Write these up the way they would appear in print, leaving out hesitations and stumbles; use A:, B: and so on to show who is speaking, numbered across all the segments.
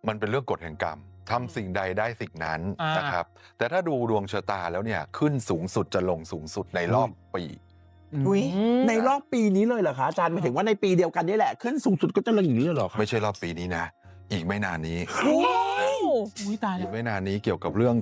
A: มันเป็นเรื่องกฎแห่งกรรมทำสิ่งใดได้สิ่งนั้นนะครับแต่ถ้าดูดวงชะตาแล้วเนี่ยขึ้นสูงสุดจะลงสูงสุดในรอบปี
B: อุ้ยในรอบปีนี้เลยเหรอคะอาจารย์หมายถึงว่าในปีเดียวกันนี่แหละขึ้นสูงสุดก็จะอย่างนี้เลยเหรอคะ
A: ไม่ใช่รอบปีนี้นะอีกไม่นานนี้
C: อุ้ยตาย
A: อี
C: แล้ว
A: กไม่นานนี้เกี่ยวกับเรื่อง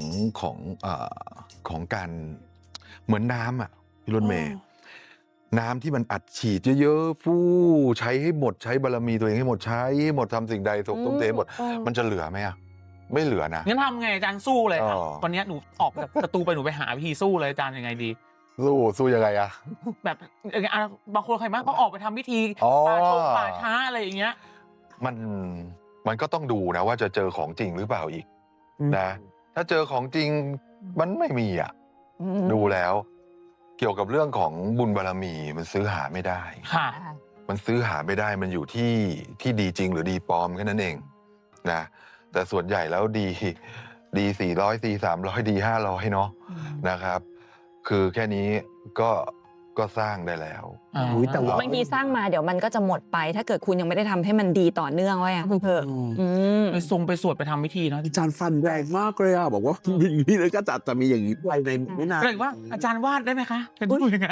A: ของการเหมือนน้ำอ่ะพี่รถเมย์น้ำที่มันอัดฉีดเยอะๆฟู่ใช้ให้หมดใช้บารมีตัวเองให้หมดใช้ให้หมดทำสิ่งใดสมตุ้มเทหมดมันจะเหลือไหมอ่ะไม่เหลือนะ
C: งั้นทำไงอาจารย์สู้เลยวันนี้หนูออกจากประตูไปหนูไปหาวิธีสู้เลยอาจารย์ยังไงดี
A: สู้ยังไงอะ
C: แบบบางคนใครมากก็ออกไปทำพิธีป่าช้าอะไรอย่างเงี้ย
A: มันก็ต้องดูนะว่าจะเจอของจริงหรือเปล่าอีกนะถ้าเจอของจริงมันไม่มีอ่ะดูแล้วเกี่ยวกับเรื่องของบุญบารมีมันซื้อหาไม่ได้
C: ค่ะ
A: มันซื้อหาไม่ได้มันอยู่ที่ดีจริงหรือดีปลอมแค่นั้นเองนะแต่ส่วนใหญ่แล้วดี400ดี300ดี500เนาะนะครับคือแค่นี้ก็สร้างได้แล้ว
D: แต่บางทีสร้างมาเดี๋ยวมันก็จะหมดไปถ้าเกิดคุณยังไม่ได้ทำให้มันดีต่อเนื่องไว้อะเพื่อ
C: ไปสวดไปทำพิธีนะ
B: อาจารย์ฟันแรงมากเลยอ่ะบอกว่าอย่างนี้เลยก็จะมีอย่างนี้ไปในไม่นาน
C: เลยว่าอาจารย์วาดได้ไหมคะเป็นผู้ยังไง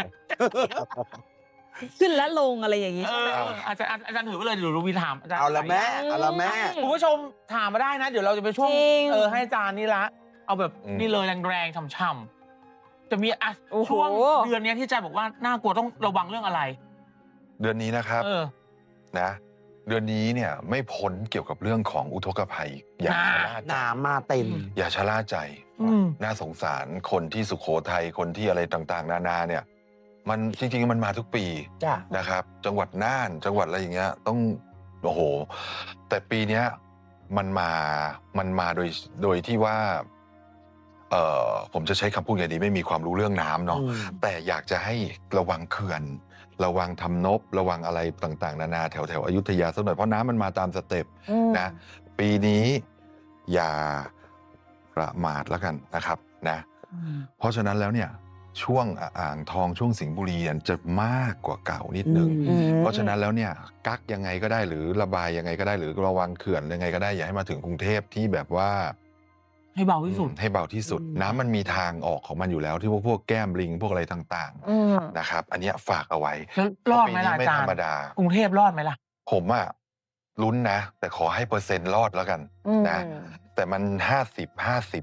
D: ขึ้นและลงอะไรอย่างนี้
C: อาจารย์ถือไปเลยเดี๋ยวรูวีถามอาจารย์
B: เอาละแม่
C: คุณผู้ชมถามมาได้นะเดี๋ยวเราจะไปช่วงให้อาจารย์นี่ละเอาแบบนี่เลยแรงๆช่ำจะมีช่วงเดือนนี้ที่อาจารย์บอกว่าน่ากลัวต้องระวังเรื่องอะไร
A: เดือนนี้นะครับนะเดือนนี้เนี่ยไม่พ้นเกี่ยวกับเรื่องของอุทกภัยอย่าชะล่าใจ
B: น้ำมาเต็ม
A: อย่าชะล่าใจน่าสงสารคนที่สุโขทัยคนที่อะไรต่างๆนานาเนี่ยมันจริงๆมันมาทุกปีนะครับจังหวัดน่านจังหวัดอะไรอย่างเงี้ยต้องโอ้โหแต่ปีเนี้ยมันมาโดยที่ว่าผมจะใช้คำพูดไงดีไม่มีความรู้เรื่องน้ำเนาะแต่อยากจะให้ระวังเขื่อนระวังทำนบระวังอะไรต่างๆนานาแถวอยุธยาสักหน่อยเพราะน้ำมันมาตามสเต็ปนะปีนี้อย่าประมาทแล้วกันนะครับนะเพราะฉะนั้นแล้วเนี่ยช่วงอ่างทองช่วงสิงห์บุรีจะมากกว่าเก่านิดนึงเพราะฉะนั้นแล้วเนี่ยกักยังไงก็ได้หรือระบายยังไงก็ได้หรือระวังเขื่อนยังไงก็ได้อย่าให้มาถึงกรุงเทพที่แบบว่า
C: ให้เบาที่สุด
A: น้ำมันมีทางออกของมันอยู่แล้วที่พวกแก้มลิงพวกอะไรต่างๆนะครับอันนี้ฝากเอาไว้
C: รอดไหมล่ะอาจารย์กรุงเทพรอดไหมล่ะ
A: ผมอะลุ้นนะแต่ขอให้เปอร์เซ็นต์รอดแล้วกันนะแต่มัน50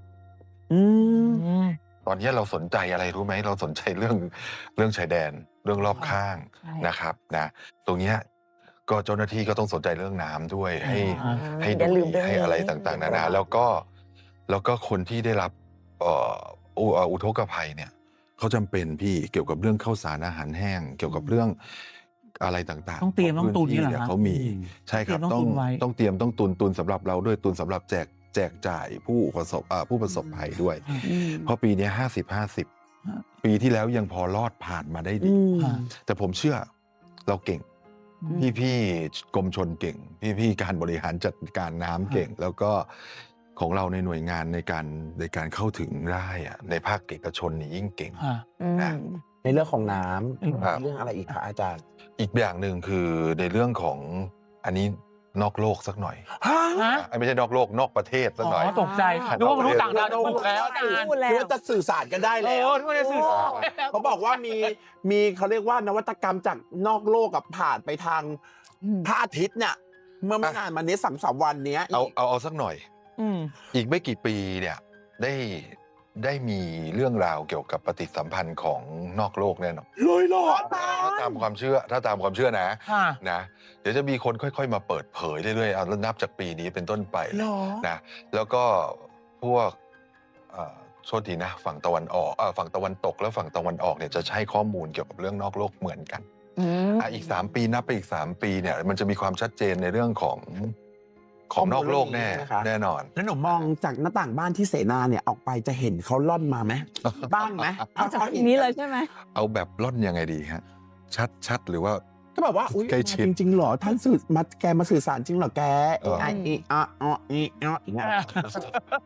A: ตอนนี้เราสนใจอะไรรู้ไหมเราสนใจเรื่องชายแดนเรื่องรอบข้างนะครับนะตรงเนี้ยก็เจ้าหน้าที่ก็ต้องสนใจเรื่องน้ำด้วยให้ดูให้อะไรต่างๆนานาแล้วก็คนที่ได้รับอุทกภัยเนี่ยเขาจำเป็นพี่เกี่ยวกับเรื่องข้าวสารอาหารแห้งเกี่ยวกับเรื่องอะไรต่างๆ
C: ต้องเตรียมต้องตุนนี่แหละ
A: เขามีใช่ครับต้องเตรียมต้องตุนสำหรับเราด้วยตุนสำหรับแจกจ่ายผู้ประสบภัยด้วยเพราะปีนี้50ปีที่แล้วยังพอรอดผ่านมาได้ดีแต่ผมเชื่อเราเก่งพี่กรมชลเก่งพี่การบริหารจัดการน้ำเก่งแล้วก็ของเราในหน่วยงานในการเข้าถึงได้อะในภาคเอกชนนี่ยิ่งเก่ง
B: นะในเรื่องของน้ำเรื่องอะไรอีกคะอาจารย์
A: อีกอย่างหนึ่งคือในเรื่องของอันนี้นอกโลกสักหน่อยไม่ใช่นอกโลกนอกประเทศสักหน่อย
C: ตกใจนึกว่ามนุษย์ต่างดาวถูกแล้วอาจารย์
B: คิดว่าจะสื่อสารกันได้แล้วเขาบอกว่ามีเขาเรียกว่านวัตกรรมจากนอกโลกกับผ่านไปทางพระอาทิตย์เนี่ยเมื่อไม่นานมานี้3 วันนี้
A: เอาสักหน่อยอีกไม่กี่ปีเนี่ยได้มีเรื่องราวเกี่ยวกับปฏิสัมพันธ์ของนอกโลกแน่นอน
B: เลยเหรอ
A: ถ้าตามความเชื่อนะเดี๋ยวจะมีคนค่อยๆมาเปิดเผยเรื่อยๆแล้วนับจากปีนี้เป็นต้นไปนะแล้วก็พวกโทษทีนะฝั่งตะวันออกฝั่งตะวันตกและฝั่งตะวันออกเนี่ยจะใช้ข้อมูลเกี่ยวกับเรื่องนอกโลกเหมือนกันอีก3 ปีนับไปอีก3 ปีเนี่ยมันจะมีความชัดเจนในเรื่องของนอกโลกแน่นอน
B: แล้วหนูมองจากหน้าต่างบ้านที่เสนาเนี่ยออกไปจะเห็นเขาล่อนมาไหมบ้างไหม
D: เอาจากนี้เลยใช่ไหม
A: เอาแบบล่อนยังไงดีฮะชัดหรือว่า
B: ก็แบบว่าใกล้ชิดจริงๆหรอท่านแกมาสื่อสารจริงหรอแกอย่างเงี้ย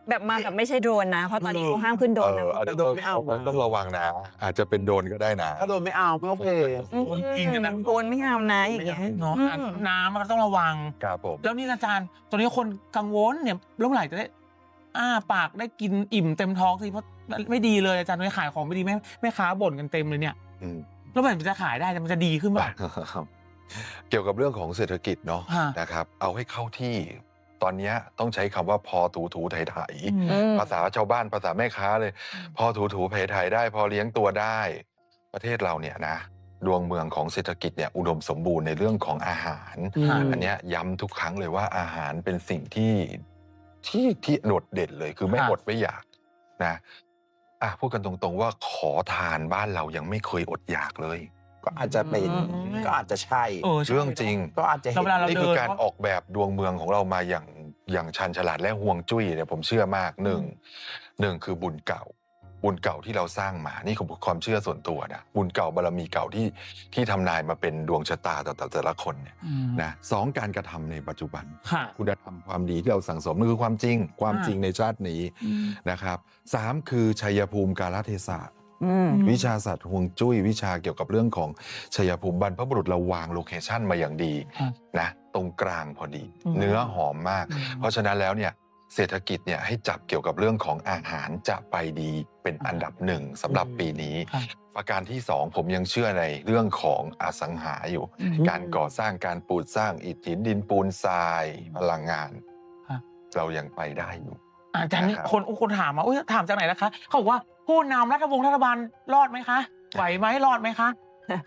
D: แบบมาแบบไม่ใช่โดรนนะ เพราะตอนนี้เขาห้ามขึ้นโดรนนะ
A: อันนี้
B: โดนไม่เอา
A: ต้องระวังนะ อาจจะเป็นโดนก็ได้นะ
B: ถ้าโดนไม่เอาไม่โอเค
C: จริงนะ
D: โดรนไม่เอานะอย่างเงี้ย
C: เนาะน้ำมันก็ต้องระวัง
A: ครับผม
C: แล้วนี่อาจารย์ตอนนี้คนกังวลเนี่ยเมื่อไหร่จะได้ปากได้กินอิ่มเต็มท้องสิเพราะไม่ดีเลยอาจารย์ไม่ขายของไม่ดีแม่ค้าบ่นกันเต็มเลยเนี่ย
A: อืม
C: แล้วมันจะขายได้มันจะดีขึ้นป่ะ
A: เกี่ยวกับเรื่องของเศรษฐกิจเนาะ
C: ฮะ
A: นะครับ เอาให้เข้าที่ ตอนเนี้ยต้องใช้คำว่าพอถูไถ ภาษาชาวบ้านภาษาแม่ค้าเลย พอถูไถได้ พอเลี้ยงตัวได้ ประเทศเราเนี่ยนะดวงเมืองของเศรษฐกิจเนี่ยอุดมสมบูรณ์ในเรื่องของอาหาร อันเนี้ยย้ำทุกครั้งเลยว่าอาหารเป็นสิ่งที่โดดเด่นเลยคือไม่
C: ครับ
A: อดไม่อยากนะพูดกันตรงๆว่าขอทานบ้านเรายังไม่เคยอดอยากเลย
B: ก็อาจจะเป็นก็อาจจะใช่
C: ใช่
A: เรื่องจริง
B: ก็อาจจะเห็น
C: เวลาเรา
A: นี่คือการออกแบบดวงเมืองของเรามาอย่างชันฉลาดและห่วงจุ้ยเนี่ยผมเชื่อมากหนึ่งคือบุญเก่าที่เราสร้างมานี่คือความเชื่อส่วนตัวนะบุญเก่าบารมีเก่าที่ทำนายมาเป็นดวงชะตาต่อแต่ละคนเนี่ยนะสองการกระทำในปัจจุบัน
C: ค่ะ
A: คุณธรรมความดีที่เราสั่งสมนั่นคือความจริงในชาตินี้นะครับสามคือชัยภูมิกาลเทศะวิชาศาสตร์ฮวงจุ้ยวิชาเกี่ยวกับเรื่องของชัยภูมิบรรพบุรุษเราวางโลเคชั่นมาอย่างดีนะตรงกลางพอดี เนื้อหอมมาก เพราะฉะนั้นแล้วเนี่ยเศรษฐกิจเนี่ยให้จับเกี่ยวกับเรื่องของอาหารจะไปดีเป็นอันดับหนึ่งสำหรับปีนี้ ประการที่สองผมยังเชื่อในเรื่องของอสังหาอยู่ การก่อสร้างการปลูกสร้างอิฐหินดินปูนทรายพลังงาน เรายังไปได้อยู่
C: อาจารย์นี่
A: นะครับ
C: คนถามมาถามจากไหนนะคะเขาบอกว่าผู้นำรัฐบาลรอดไหมคะไหวไหมรอดไหมคะ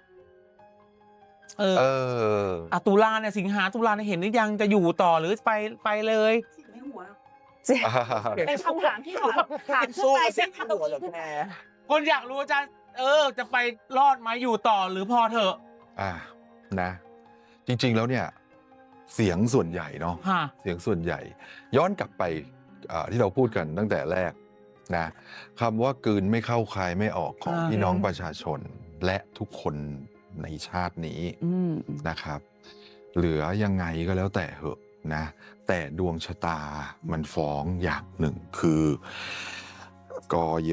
C: ตุลาเนี่ยสิงหาตุลาเนี่ยเห็นหรือยังจะอยู่ต่อหรือไปเลย
D: เป็นคำถามที่ถาม
B: สู้
D: ไป
B: เส้นหัวเหรอแก
C: คนอยากรู้อาจารย์จะไปรอดไหมอยู่ต่อหรือพอเถอะ
A: นะจริงๆแล้วเนี่ยเสียงส่วนใหญ่เนาะ
C: ค่ะ
A: เสียงส่วนใหญ่ ย้อนกลับไปที่เราพูดกันตั้งแต่แรกนะคำว่ากลืนไม่เข้าคายไม่ออกของพี่น้องประชาชนและทุกคนในชาตินี้นะครับ เหลือยังไงก็แล้วแต่เหอะนะแต่ดวงชะตามันฟ้องอย่างหนึ่งคือกย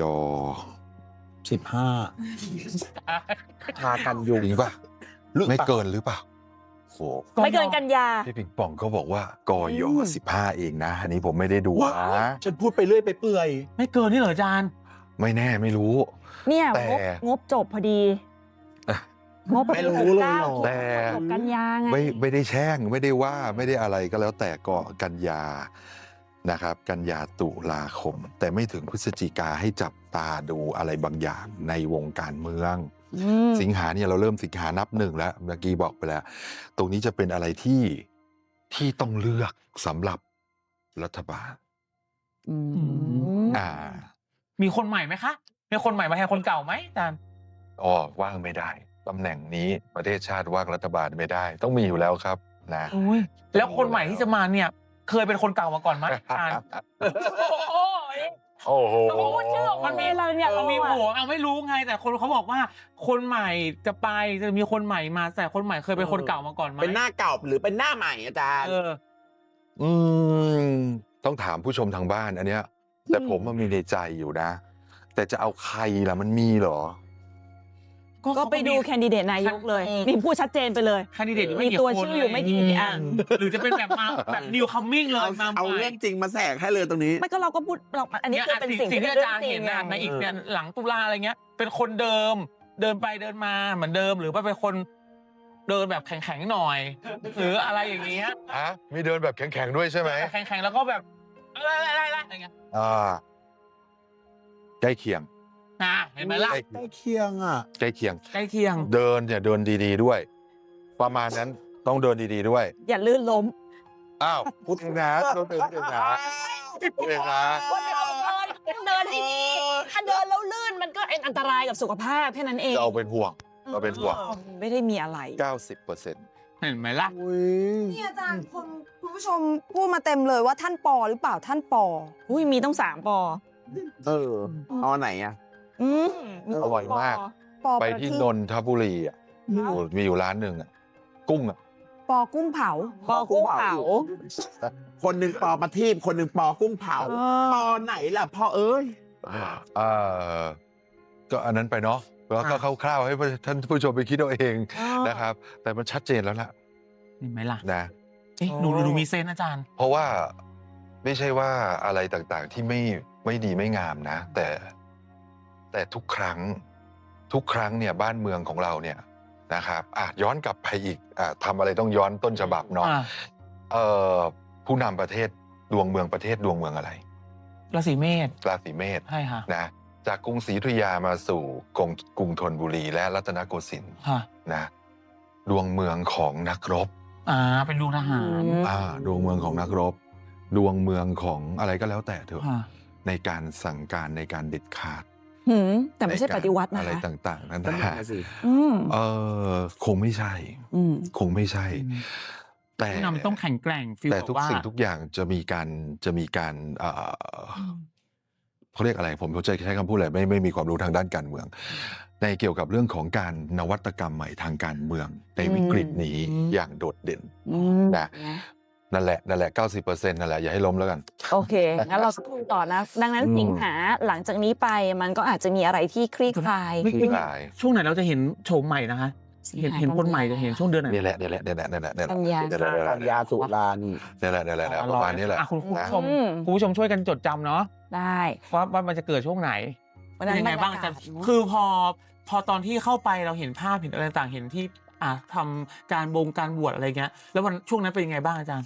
B: พากันยุง
A: จริงป่ะ
B: หรือ
A: ไม่
B: เปล่า
A: เกินหรือเปล่าโอ้
D: ไม่เกินกันยา
A: พี่ปิงปองเขาบอกว่ากย15 เองนะ อันนี้ผมไม่ได้ดู
B: ว้า
A: นะ
B: ฉันพูดไปเรื่อยไปเปื่อย
C: ไม่เกินนี่เหรออาจารย์
A: ไม่แน่ไม่รู้
D: เนี่ย
A: แต่
D: งบจบพอดีงบ
B: ไม่รู้เลยเหรอ
A: แต่
D: จบกันยาไง
A: ไม่ได้แช่งไม่ได้ว่าไม่ได้อะไรก็แล้วแต่ก็กันยานะครับ กันยาตุลาคม แต่ไม่ถึงพฤศจิกาให้จับตาดูอะไรบางอย่างในวงการเมือง สิงหาเนี่ยเราเริ่มสิงหานับหนึ่งแล้วเมื่อกี้บอกไปแล้ว ตรงนี้จะเป็นอะไรที่ต้องเลือกสำหรับรัฐบาล
C: มีคนใหม่ไหมคะมีคนใหม่มาแทนคนเก่าไหมอาจารย์
A: ว่างไม่ได้ตำแหน่งนี้ประเทศชาติว่างรัฐบาลไม่ได้ ต้องมีอยู่แล้วครับนะ
C: แล้วคนใหม่ที่จะมาเนี่ย เคยเป็นคนเก่ามาก่อนไหมอาจารย์
A: โอ้โห
C: มันมีเราเนี่ยเรามีผัวไม่รู้ไง แต่คนเขาบอกว่า คนใหม่จะมีคนใหม่มาแต่คนใหม่เคยเป็นคนเก่ามาก่อนไหม
B: เป็นหน้าเก่าหรือเป็นหน้าใหม่อาจารย์
A: ต้องถามผู้ชมทางบ้านอันเนี้ย แต่ผมมันมีในใจอยู่นะ แต่จะเอาใครล่ะมันมีเหรอ
D: ก็ไปดูแคนดิเดตนายกเลยมีพูดชัดเจนไปเลย
C: แคนดิเดต
D: มีตัวชื่ออยู่ไม่กี่อัน
C: หรือจะเป็นแบบมาแบบนิวคัมมิ่งเลยมา
B: เอาเรื่องจริงมาแสกให้เลยตรงนี้
D: ไม่ก็เราก็พูดอันนี้คือเป็นสิ่ง
C: ที่
D: ที่
C: อาจารย์เห็น
D: ไง
C: ในอีกเนี่ยหลังตุลาอะไรเงี้ย เป็นคนเดิมเดินไปเดินมาเหมือนเดิมหรือว่าเป็นคนเดินแบบแข็งๆหน่อย หรืออะไรอย่างเงี้ย
A: มีเดินแบบแข็งๆด้วยใช่ไหม
C: แข็งๆแล้วก็แบบอะไรอย่างเงี้ย
A: ใกล้เคียง
C: เห็นไหมล่ะ
B: ใกล้เคียงอ่ะ
A: ใกล้เคียง
C: ใกล้เคียง
A: เดินเนี่ยเดินดีๆด้วย ประมาณนั้นต้องเดินดีๆด้วย
D: อย่าลื่นล้ม
A: อ้าวพูดเองนะต้องเป็นเองนะพูดเองนะ
D: เดินให้ดีถ้าเดินแล้วลื่นมันก็อันตรายกับสุขภาพแค่นั้นเอง
A: จะเอาเป็นห่วงเราเป็นห่วง
D: ไม่ได้มีอะไร
A: 90%
C: เห็นไหมล่ะ
E: นี่อาจารย์คุณผู้ชมพูดมาเต็มเลยว่าท่านปอหรือเปล่าท่านปอ
D: อุ้ยมีต้อง3 ปอ
B: เอาไหนอ่ะ
A: อร่อยมาก
E: ปอ
A: ไป
E: ประ
A: ที่
E: ทีป
A: นนทบุรีอ่ะมีอยู่ร้านหนึ่งอ่ะกุ้งอ่ะ
E: ปอกุ้งเผา
D: ปอกุ้งเผา
B: คนหนึ่งปอประทีปคนหนึ่งปอกุ้งเผาปอไหนล่ะพ่อเอ้ย
A: ก็อันนั้นไปเนาะแล้วก็คร่าวๆให้ท่านผู้ชมไปคิดเอาเองนะครับ แต่มันชัดเจนแล้วล่ะ
C: เห็นไหมล่ะ
A: นะ
C: เอ๊ะหนูมีเซนส์อาจารย์
A: เพราะว่าไม่ใช่ว่าอะไรต่างๆที่ไม่ดีไม่งามนะ แต่ทุกครั้งเนี่ยบ้านเมืองของเราเนี่ยนะครับย้อนกลับไปอีกทำอะไรต้องย้อนต้นฉบับเนาะผู้นำประเทศดวงเมืองประเทศดวงเมืองอะไร
C: ราศีเมษ
A: ราศีเมษ
C: ใช่ค่ะ
A: นะจากกรุงศรีอยุธยามาสู่กรุงธนบุรีและรัตนโกสินทร์
C: ค่ะ
A: นะดวงเมืองของนักรบ
C: เป็นดวงทหาร
A: ดวงเมืองของนักรบ ดวงเมืองของอะไรก็แล้วแต่เถอะ
C: ค่ะ
A: ในการสั่งการในการเด็ดขาด
D: แต่ไม่ใช่ปฏิวัตินะ
A: อะไร
D: คะ
A: ต่างๆนั่น
B: นั่น
A: นะ
B: น่ะสิ
A: คงไม่ใช่ คงไม่ใช่ แต่
C: ผู้นำต้องแข็งแกร่งฟีล
A: แต่
C: แบบ
A: ทุก
C: ว่า
A: สิ่งทุกอย่างจะมีการเขาเรียกอะไรผมจะใช้คำพูดอะไรไม่มีความรู้ทางด้านการเมือง ในเกี่ยวกับเรื่องของการนวัตกรรมใหม่ทางการเมืองในวิกฤตนี้อย่างโดดเด่นนะนั่นแหละ 90%นั่นแหละอย่าให้ล้มแล้วกัน
D: โอเค งั้นเราดูต่อนะ ดังนั้นสิงหาหลังจากนี้ไปมันก็อาจจะมีอะไรที่คลี่คลาย
C: ไม่
A: คลี่คลาย
C: ช่วงไหนเราจะเห็นโฉมใหม่นะคะ เห็นคนใหม่จะเห็นช่วงเดือนไหน
A: นี่แหละ
D: กันยา
B: ปัญญาสุรานี่
A: นี่แหละประมาณนี้แหละ
C: คุณผู้
A: นะ
C: ชมคุณผู้ชมช่วยกันจดจำเนาะ
D: ได้
C: ว่ามันจะเกิดช่วงไหน
D: วันนั้น
C: ยังไงบ้างอาจารย์คือพอตอนที่เข้าไปเราเห็นภาพเห็นอะไรต่างเห็นที่ทำการบวชอะไรเงี้ยแล้ววันช่วงนั้นเป็นยังไงบ้างอาจารย์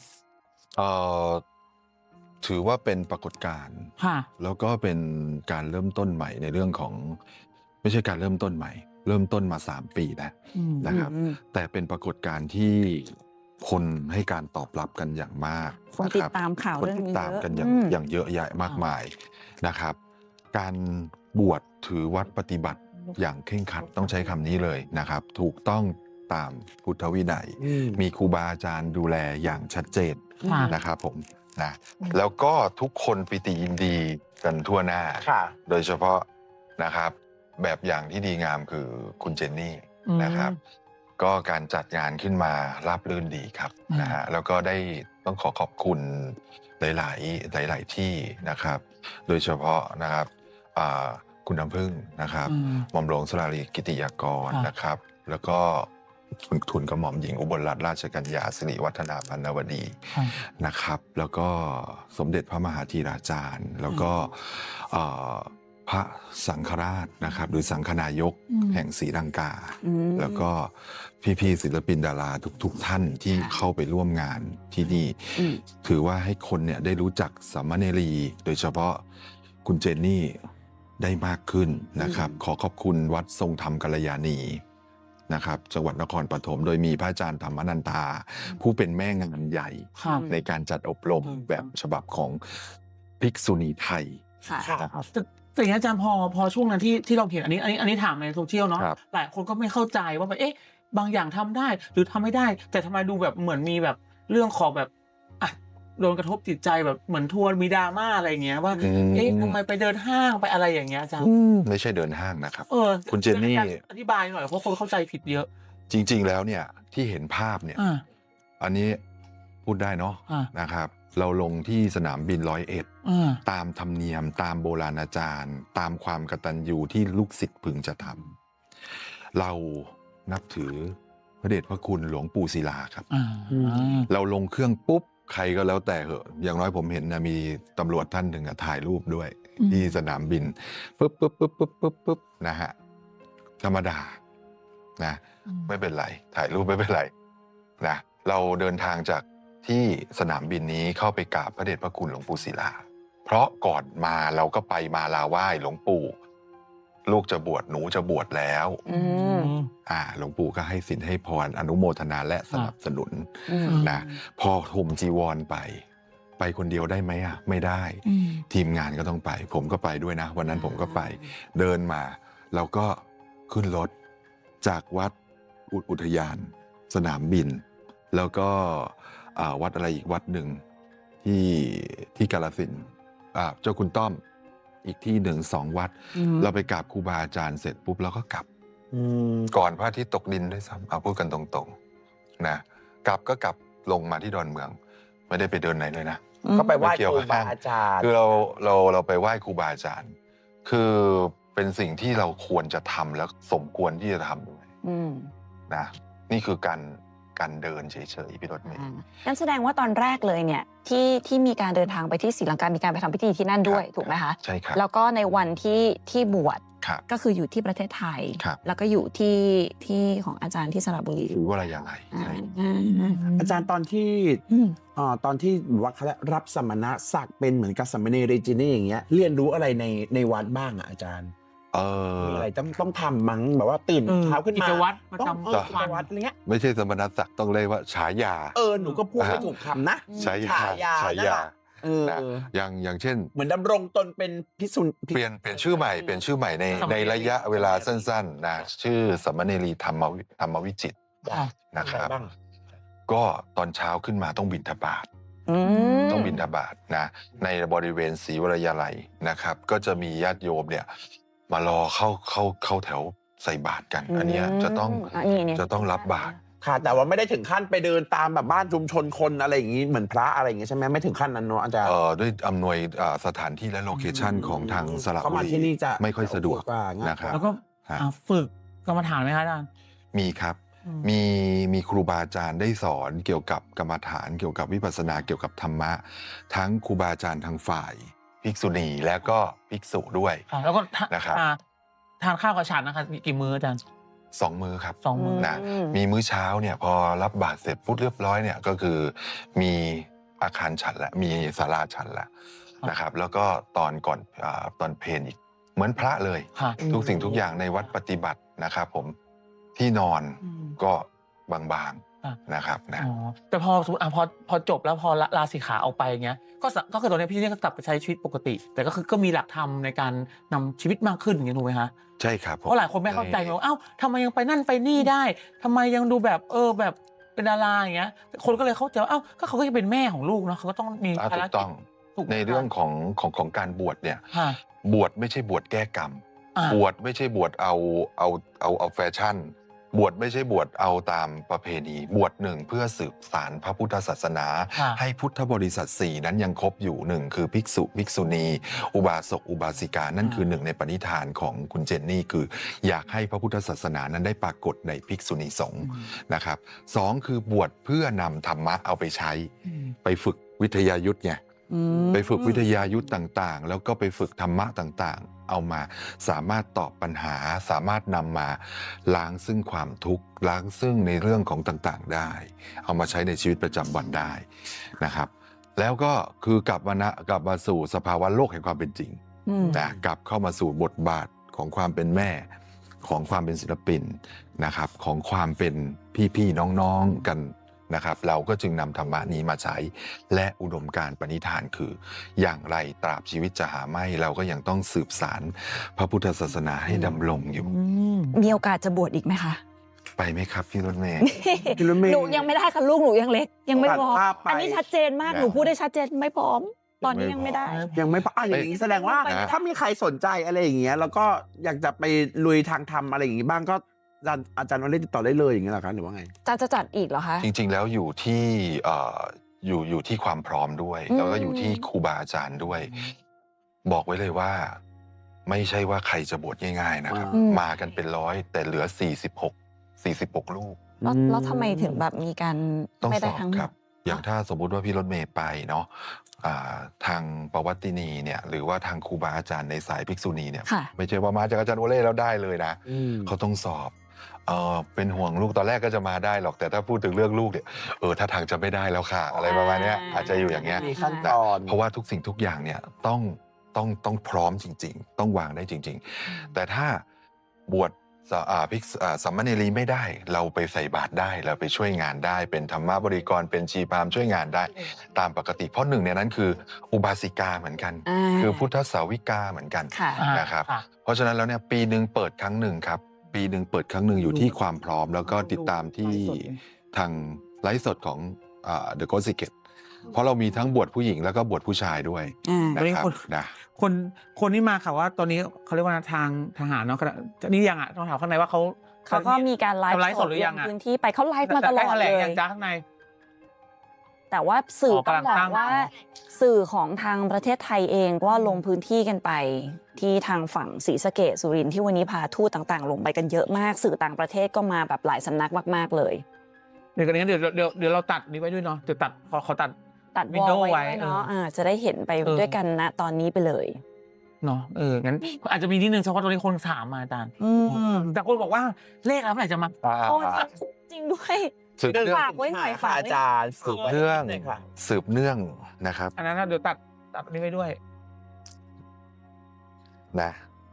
A: ถือว่าเป็นปรากฏการณ์
C: ค่ะ
A: แล้วก็เป็นการเริ่มต้นใหม่ในเรื่องของไม่ใช่การเริ่มต้นใหม่ เริ่มต้นมา3 ปีแล้วนะครับ แต่เป็นปรากฏการณ์ที่คนให้การตอบรับกันอย่างมาก
D: คนติดตามข่าว
A: คน
D: เรื่อง
A: ติด
D: นี้
A: ตาม
D: เยอะ
A: กันอย่างเยอะแยะมากมายนะครับ การบวชถือวัดปฏิบัติอย่างเคร่งครัดต้องใช้คำนี้เลยนะครับ ถูกต้องตามพุทธวินัย มีครูบาอาจารย์ดูแลอย่างชัดเจน
C: ค่ะ
A: นะครับผมนะแล้วก็ทุกคนปิติยินดีกันทั่วหน้า
B: ค่ะ
A: โดยเฉพาะนะครับแบบอย่างที่ดีงามคือคุณเจนนี่นะครับ ก็การจัดงานขึ้นมาราบรื่นดีครับนะฮะแล้วก็ได้ต้องขอบคุณหลายที่นะครับ โดยเฉพาะนะครับคุณน้ำพึ่งนะครับหม่อมหลวงสราลีกิติยากรนะครับ แล้วก็ทุนกระหม่อมหญิงอุบลรัตนราชกัญญาสิริวัฒนาพันนวดีนะครับ แล้วก็สมเด็จพระมหาธีราจารย์ แล้วก็พระสังฆราชนะครับหรือสังฆนายกแห่งศรีลังกา แล้วก็พี่ๆศิลปินดาราทุกท่านที่เข้าไปร่วมงานที่นี่ถือว่าให้คนเนี่ยได้รู้จักสามเณรีโดยเฉพาะคุณเจนนี่ได้มากขึ้นนะครับ ขอขอบคุณวัดทรงธรรมกัลยาณีนะครับจังหวัดนครปฐมโดยมีพระอาจารย์ธรรมนันทาผู้เป็นแม่งานใหญ่ในการจัดอบรมแบบฉบับของภิกษุณีไทย
C: แต่อย่างอาจารย์พอช่วงนั้นที่เราเห็นอันนี้ถามในโซเชียลเนาะหลายคนก็ไม่เข้าใจว่าแบบบางอย่างทำได้หรือทำไม่ได้ แต่ทำไมดูแบบเหมือนมีแบบเรื่องของแบบโดนกระทบจิตใจแบบเหมือนทัวร์มีดราม่าอะไรเงี้ยว่าทำไมไปเดินห้างไปอะไรอย่างเงี้ยอาจารย์
A: ไม่ใช่เดินห้างนะครับ
C: คุณเจนนี่อธิบายหน่อยเพราะคนเข้าใจผิดเยอะ
A: จริงๆแล้วเนี่ยที่เห็นภาพเนี่ยอันนี้พูดได้เนาะนะครับ เราลงที่สนามบิน101ตามธรรมเนียมตามโบราณอาจารย์ ตามความกตัญญูที่ลูกศิษย์พึงจะทำเรานับถือพระเดชพระคุณหลวงปู่ศิลาครับเราลงเครื่องปุ๊บใครก็แล้วแต่เหอะอย่างน้อยผมเห็นนะมีตำรวจท่านหนึ่งถ่ายรูปด้วยที่สนามบินปุ๊บนะฮะธรรมดานะไม่เป็นไรถ่ายรูปไม่เป็นไรนะเราเดินทางจากที่สนามบินนี้เข้าไปกราบพระเดชพระคุณหลวงปู่ศิลาเพราะก่อนมาเราก็ไปมาลาไหว้หลวงปู่ลูกจะบวชหนูจะบวชแล้วหลวงปู่ก็ให้สินให้พรอนุโมทนาและสนับสนุนนะพอห่มจีวรไปคนเดียวได้ไหมไม่ได้ทีมงานก็ต้องไปผมก็ไปด้วยนะวันนั้นผมก็ไปเดินมาเราก็ขึ้นรถจากวัดอุทยานสนามบินแล้วก็วัดอะไรอีกวัดหนึ่งที่กาฬสินธุ์เจ้าคุณต้อมอีกที่1-2 วัดเราไปกราบครูบาอาจารย์เสร็จปุ๊บเราก็กลับก่อนพระอาทิตย์ตกดินด้วยซ้ำเอาพูดกันตรงๆนะกลับลงมาที่ดอนเมือง ไม่ได้ไปเดินไหนเลยนะ
B: ก็ไปไหว้
A: ไม่เกี่ยว
B: ครู
A: กับ
B: บาอาจารย์
A: คือเราไปไหว้ครูบาอาจารย์ คือเป็นสิ่งที่เราควรจะทำแล้วสมควรที่จะทำด้วยนะนี่คือการเดินเฉยๆพี่รถเมย์
D: งั้นแสดงว่าตอนแรกเลยเนี่ยที่มีการเดินทางไปที่ศรีลังกา มีการไปทำพิธีที่นั่นด้วยถูกไหมคะ
A: ใช่ครับ
D: แล้วก็ในวันที่บวช
A: ครับ
D: ก็คืออยู่ที่ประเทศไทย
A: ครับ
D: แล้วก็อยู่ที่ของอาจารย์ที่สระบุรี
A: หรือว่าอะไรยังไง
B: อาจารย์ตอนที่ว่าเขารับสมณศักดิ์เป็นเหมือนกับสามเณรเรจินี่อย่างเงี้ยเรียนรู้อะไรในวัดบ้างอ่ะอาจารย์มีอะไรต้องทำมั้งแบบว่าตื่นเช้าขึ้นมา
C: กิจวัตรประ
B: ต้อง
C: จำ
B: กิจ
C: วัน
B: วัตรอะไรเงี้ย
A: ไม่ใช่สมณศักดิ์ต้องเรียกว่าฉายา
B: หนูก็พูดไม่ถูกคำนะ
A: ฉายา
B: นั่นแหละ
A: นะอย่างเช่น
B: เหมือนดำรงตนเป็นพิสุน
A: เปลี่ยนชื่อใหม่ในระยะเวลาสั้นๆนะชื่อสมณเณรีธรรมวิจิตรนะครับ ก็ตอนเช้าขึ้นมาต้องบิณฑบาตต้องบิณฑบาตนะในบริเวณศรีวรยาลัยนะครับ ก็จะมีญาติโยมเนี่ยมารอเข้าแถวใส่บาตรกัน อันเนี้ยจะต้องรับบาตร
B: ค่ะแต่ว่าไม่ได้ถึงขั้นไปเดินตามแบบบ้านชุมชนคนอะไรอย่างนี้เหมือนพระอะไรอย่างงี้ใช่ไหมไม่ถึงขั้นนั้นเนอะอาจารย์
A: ด้วยอำนวยสถานที่และโลเคชั่นของทางสระ
B: เข้า
A: บุ
B: มา
A: รี
B: ที่นี่จะ
A: ไม่ค่อยสะดวก
B: กว่าง่าย
A: นะครับ
C: แล้วก็ฝึกกรรมฐานไหมคะอาจารย์
A: มีครับ มีครูบาอาจารย์ได้สอนเกี่ยวกับกรรมฐานเกี่ยวกับวิปัสสนาเกี่ยวกับธรรมะ ทั้งครูบาอาจารย์ทางฝ่ายภิกษุณีและก็ภิกษุด้วย
C: แล้วก็
A: นะครับ
C: ทานข้าวกับฉันนะคะกี่มื้ออาจารย์
A: 2 มื้อครับ
C: 2 มื้อ
A: นะมีมื้อเช้าเนี่ยพอรับบาตรเสร็จปุ๊บเรียบร้อยเนี่ยก็คือมีอาคารฉันและมีศาลาฉันแล้วนะครับ แล้วก็ตอนก่อนตอนเพลอีกเหมือนพระเลย ทุกสิ่งทุกอย่างในวัดปฏิบัตินะครับผมที่นอนก็บางๆนะครับนะ
C: แต่พอสมมติพอจบแล้วพอลาสิกขาออกไปอย่างเงี้ยก็คือตอนนี้พี่เนี่ยก็กลับไปใช้ชีวิตปกติ แต่ก็คือก็มีหลักธรรมในการนำชีวิตมากขึ้นอย่างเงี้ยถูกไหมคะ
A: ใช่ครับ
C: เพราะหลายคนไม่เข้าใจไงว่าเอ้าทำไมยังไปนั่นไปนี่ได้ทำไมยังดูแบบแบบเป็นดาราอย่างเงี้ยคนก็เลยเข้าใจว่าเอ้าก็เขาก็จะเป็นแม่ของลูกเนาะเขาก็ต้องมีภาร
A: ถูก
C: กิ
A: ต้
C: จ
A: องในเรื่องของการบวชเนี่ย บวชไม่ใช่บวชแก้กรรม บวชไม่ใช่บวชเอาแฟชั่น บวชไม่ใช่บวชเอาตามประเพณีบวชหนึ่งเพื่อสืบสานพระพุทธศาสนา ให้พุทธบริษัท4นั้นยังครบอยู่หนึ่งคือภิกษุภิกษุณี อุบาสกอุบาสิกานั่นคือหนึ่งในปณิธานของคุณเจนนี่คืออยากให้พระพุทธศาสนานั้นได้ปรากฏในภิกษุณีสงฆ์นะครับ2คือบวชเพื่อนำธรรมะเอาไปใช้ไปฝึกวิทยายุทธ์ไงไปฝึกวิทยายุทธ์ต่างๆแล้วก็ไปฝึกธรรมะต่างๆเอามาสามารถตอบปัญหาสามารถนำมาล้างซึ่งความทุกข์ล้างซึ่งในเรื่องของต่างๆได้เอามาใช้ในชีวิตประจำวันได้นะครับแล้วก็คือกลับมาสู่สภาวะโลกแห่งความเป็นจริงนะกลับเข้ามาสู่บทบาทของความเป็นแม่ของความเป็นศิลปินนะครับของความเป็นพี่ๆน้องๆกันนะครับเราก็จึงนำธรรมะนี้มาใช้และอุดมการณ์ปณิธานคืออย่างไรตราบชีวิตจะหาไม่เราก็ยังต้องสืบสานพระพุทธศาสนาให้ดำรงอยู่
D: มีโอกาสจะบวชอีกไหมคะ
A: ไปไหมครับพี่รถเมย์
D: หนูยังไม่ได้ค่ะลูกหนูยังเล็กยังไม่พร้อม
B: ตัดภาพไป
D: อันนี้ชัดเจนมากหนูพูดได้ชัดเจนไม่พร้อม ตอนนี้ยังไม่ได้
B: ยังไม่อย่างนี้แสดงว่า
A: นะ
B: ถ้ามีใครสนใจอะไรอย่างเงี้ยแล้วก็อยากจะไปลุยทางธรรมอะไรอย่างงี้บ้างก็อาจารย์วันเล่ติดต่อได้เลยอย่างเงี้ยเหรอคะหรือว่าไง
D: จะจัดอีกเหรอคะ
A: จริงๆแล้วอยู่ที่อยู่ที่ความพร้อมด้วยแล้วก็อยู่ที่ครูบาอาจารย์ด้วย บอกไว้เลยว่าไม่ใช่ว่าใครจะบวชง่ายๆนะครับ มากันเป็นร้อยแต่เหลือ46ลูก
D: แล้วทำไมถึงแบบมีการ
A: ต้อง
D: ไม่
A: ส
D: ได้
A: อบ
D: ทั้งหม
A: ครั
D: ด
A: บ อย่างถ้าสมมุติว่าพี่รถเมย์ไปเนาะทางปวัตตินีเนี่ยหรือว่าทางครูบาอาจารย์ในสายภิกษุณีเนี่ย
D: ค่ะ
A: ไม่ใช่ว่ามาจากอาจารย์โอเล่แล้วได้เลยนะเขาต้องสอบเป็นห่วงลูกตอนแรกก็จะมาได้หรอกแต่ถ้าพูดถึงเรื่องลูกเนี่ยถ้าทางจะไม่ได้แล้วค่ะ อะไรประมาณเนี้ยอาจจะอยู่อย่างเงี้ย
B: มีขั้น
A: นะ
B: ตอน
A: เพราะว่าทุกสิ่งทุกอย่างเนี่ยต้องพร้อมจริงๆ ต้องวางได้จริงๆ แต่ถ้าบวชสามเณรีไม่ได้เราไปใส่บาตรได้เราไปช่วยงานได้เป็นธรรมบริกรเป็นชีพราหมณ์ช่วยงานได้ตามปกติเพราะหนึ่งในนั้นคืออุบาสิกาเหมือนกัน คือพุทธสาวิกาเหมือนกัน
D: ค่ะ
A: นะครับเพราะฉะนั้นแล้วเนี่ยปีหนึ่งเปิดครั้งหนึ่งครับปีหนึ่งเปิดครั้งหนึ่งอยู่ที่ความพร้อม แล้วก็ติดตามที่ทางไลฟ์สดของThe Ghost Secret เพราะเรามีทั้งบวชผู้หญิงแล้วก็บวชผู้ชายด้วยนะครับนะ
C: คนที่มาค่ะว่าตอนนี้เขาเรียกว่าทางทหารเนาะนี่ยังต้องถามข้างในว่าเขา
D: เขาก็มีการไลฟ์
C: สดหรือยัง
D: ลพื้นที่ไปเขาไลฟ์มาตลอด
C: แถ
D: เล
C: ลง
D: ย
C: ยังจ้าข้างใน
D: แต่ว่าสื่อ
C: อ๋อ
D: ต้อง
C: กำลัง
D: บอ
C: สร้าง
D: กว่าสื่อของทางประเทศไทยเองก็ลงพื้นที่กันไปที่ทางฝั่งศรีสะเกษสุรินทร์ที่วันนี้พาทูตต่างๆ ลงไปกันเยอะมากสื่อต่างประเทศก็มาแบบหลายสำนักมากๆเลย
C: เดี๋ยวเราตัดนี้ไว้ด้วยเนาะเดี๋ยวตัดขอตัด
D: ตัด
C: วิ
D: ว
C: ดี
D: อ
C: โอ
D: ลไว้
C: ไว้
D: ด้วยเนาะจะได้เห็นไปด้วยกันนะตอนนี้ไปเลย
C: เนาะงั้นอาจจะมีนิดนึงเฉพาะตรงนี้คนถามมาอาจารย์แต่คนบอกว่าเลขอะไรเมื่อไหร่จะมา
D: โอ้จริงด้วย
A: สืบเนื่อง
D: ฝากไว้หน่อยค่ะ
B: อาจารย์สืบ
A: เนื่อง
B: ค่ะ
A: สืบเนื่องนะครับ
C: อันนั้นนะเดี๋ยวตัดอันนี้ไว้ด้วย
A: นะ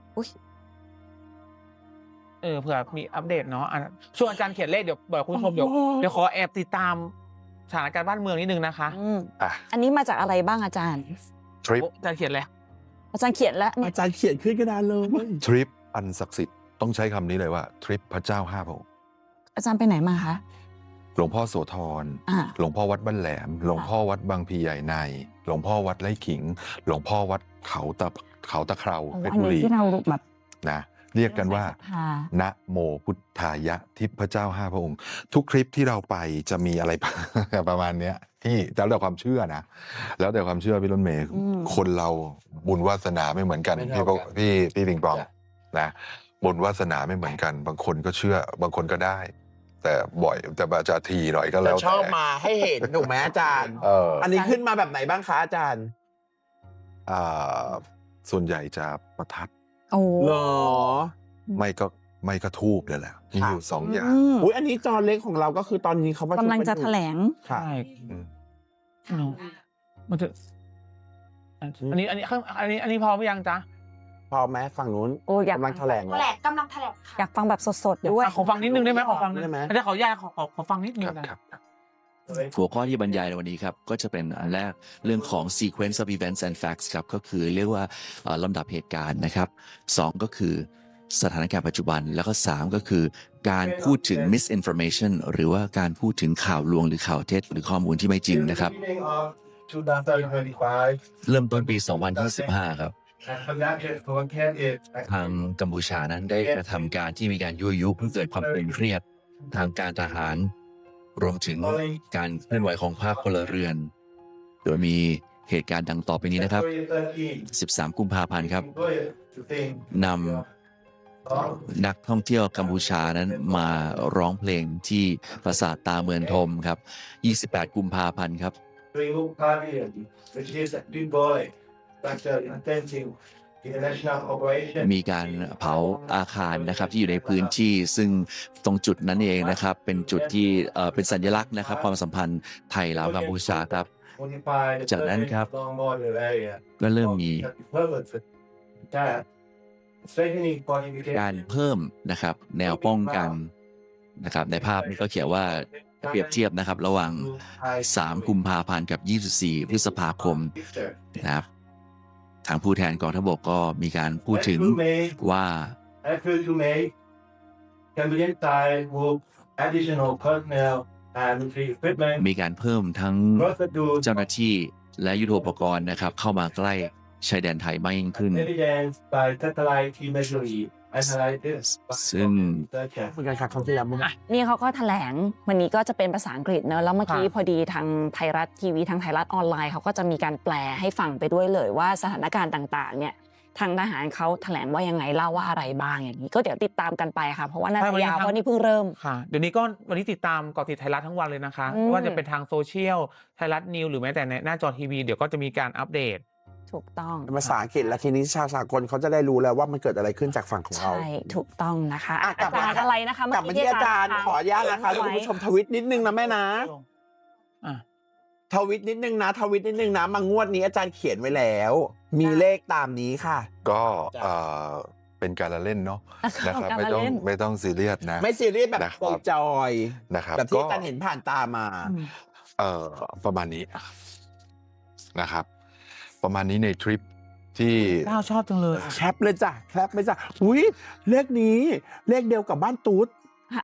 C: เผื่อมีอัปเดตเนาะช่วงอาจารย์เขียนเลขเดี๋ยวบอกคุณผู้ชมเดี๋ยวขอแอบติดตามสถานการณ์บ้านเมืองนิดนึงนะคะ
A: อ่ะ
D: อันนี้มาจากอะไรบ้างอาจารย์
A: ทริป
C: อาจารย์เขียนเลย
D: อาจารย์เขียนแล้วเนี่ย
B: อาจารย์เขียนขึ้นกระดานเลย
A: ทริปอันศักดิ์สิทธิ์ต้องใช้คำนี้เลยว่าทริปพระเจ้า5 พระองค์
D: อาจารย์ไปไหนมาคะ
A: หลวงพ่อโสธร
D: อ่า
A: หลวงพ่อวัดบ้านแหลม หลวงพ่อวัดบางพลีใหญ่ใน หลวงพ่อวัดไร่ขิง หลวงพ่อวัดเขาตะเคราเพชร
D: อัน
A: บุ
D: นี้
A: รี
D: ที่เราแบบ
A: นะเรียกกันว่า
D: ค่ะ
A: นะโมพุทธายะทิพย์พระเจ้า5 พระองค์ ทุกคลิปที่เราไปจะมีอะไร ประมาณเนี้ยที่แล้วแต่ความเชื่อนะ แล้วแต่ความเชื่อพี่รถเมย์คนเราบุญวาสนาไม่เหมือนกัน
B: ไม่
A: พี่
B: เท่ากัน
A: พี่ปิงปองนะบุญวาสนาไม่เหมือนกัน บางคนก็เชื่อบางคนก็ได้ แต่บ่อยแต่อาจจะทีหน่อยก็แล้ว
B: ชอบ
A: แต่
B: มาให้เห็นถูกไหมอาจารย์ อันนี้ขึ้นมาแบบไหนบ้างคะอาจารย์
A: ส่วนใหญ่จะประทัด
D: โอ้
B: เหรอ
A: ไม่ก็ทูบเลยแหละมีอยู่2 อย่าง
B: อุ้ยอันนี้จอเล็กของเราก็คือตอนนี้เขาประชุม
D: กำลังจะแถลง
B: ค่ะ
C: ใช่
A: อืม
C: เนาะมันจะอันนี้พอไหมยังจ๊ะ
B: พอไหมฝั่งนู้น
D: โอ้อยาก
B: กำลังแถลง
E: แถลงกำลังแถลงค่ะ
D: อยากฟังแบบสดๆด้วย
C: ขอฟังนิดนึงได้ไหมขอฟัง
B: ได้ไหม
C: อาจารย์ขออนุญาตขอฟังนิดนึง
A: ครับ
C: นะครับ
F: หัวข้อที่บรรยายในวันนี้ครับก็จะเป็นอันแรกเรื่องของ sequence of events and facts ครับก็คือเรียกว่าลำดับเหตุการณ์นะครับ2ก็คือสถานการณ์ปัจจุบันแล้วก็3ก็คือการพูดถึง misinformation หรือว่าการพูดถึงข่าวลวงหรือข่าวเท็จหรือข้อมูลที่ไม่จริงนะครับ เริ่มต้นปี 2025 ครับ ทางกัมพูชานั้นได้กระทำการที่มีการยั่วยุเพื่อเกิดความตึงเครียดทางการทหาร รวมถึงการเคลื่อนไหวของภาคพลเรือน โดยมีเหตุการณ์ดังต่อไปนี้นะครับ 13 กุมภาพันธ์ครับนำนักท่องเที่ยวกัมพูชานั้นมาร้องเพลงที่ปราสาทตาเมืองทมครับ 28 กุมภาพันธ์ครับ มีการเผาอาคารนะครับที่อยู่ในพื้นที่ซึ่งตรงจุดนั้นเองนะครับเป็นจุดที่เป็นสัญลักษณ์นะครับความสัมพันธ์ไทยลาวกัมพูชาครับ จากนั้นครับก็เริ่มมีการเพิ่มนะครับแนวป้องกันนะครับในภาพนี้ก็เขียนว่าเปรียบเทียบนะครับระหว่าง 3 กุมภาพันธ์กับ 24 พฤษภาคมนะครับทางผู้แทนกองทัพบกก็มีการพูดถึงว่า มีการเพิ่มทั้งเจ้าหน้าที่และยุทโธปกรณ์นะครับเข้ามาใกล้ชายแดนไทยมากยิ่งขึ้น ซึ่ง
B: เหมือนกันค่ะครั้งที่แล้วมั้ง
D: นี่เขาก็แถลงวันนี้ก็จะเป็นภาษาอังกฤษเนอะแล้วเมื่อกี้พอดีทางไทยรัฐทีวีทางไทยรัฐออนไลน์เขาก็จะมีการแปลให้ฟังไปด้วยเลยว่าสถานการณ์ต่างๆเนี่ยทางทหารเขาแถลงว่ายังไงเล่าว่าอะไรบ้างอย่างนี้ก็เดี๋ยวติดตามกันไปค่ะเพราะว่าน่าจะยาวเพราะนี่เพิ่งเริ่ม
C: ค่ะเดี๋ยวนี้ก็วันนี้ติดตามเกาะติดไทยรัฐทั้งวันเลยนะคะไม่ว่าจะเป็นทางโซเชียลไทยรัฐนิวหรือแม้แต่ในหน้าจอทีวีเดี๋ยวก็จะมีการอัปเดต
D: ถูกต้อง
B: ภาษาอังกฤษและทีนี้ชาวสากลเขาจะได้รู้แล้วว่ามันเกิดอะไรขึ้นจากฝั่งของเรา
D: ใช่ถูกต้องนะคะ
B: อ่ะกลั
D: อา
B: บมา
D: จารย์อะไรนะคะ
B: กลับมาที่อาจารย์ขออนุญาตนะคะคุณผู้ชมทวิตนิดนึงนะแม่นะ
C: อ่ะ
B: ทวิตนิดนึงนะทวิตนิดนึงนะมางวดนี้อาจารย์เขียนไว้แล้ว มีเลขตามนี้ค่ะ
A: ก็เป็นการละเล่นเนาะนะครับ
D: การละเล่น
A: ไม่ต้องซีเรียสนะ
B: ไม่ซีเรียสแบบ
A: นะครับ
B: จอย
A: นะครับ
B: แบบที่
A: ก็
B: อาจารย์เห็นผ่านตามา
A: ประมาณนี้นะครับ ประมาณนี้ในทริปที่
C: ก้าวชอบจังเลย
B: แคปเลยจ้ะแคปเลยจ้ะอุ้ยเลขนี้เลขเดียวกับบ้านตูด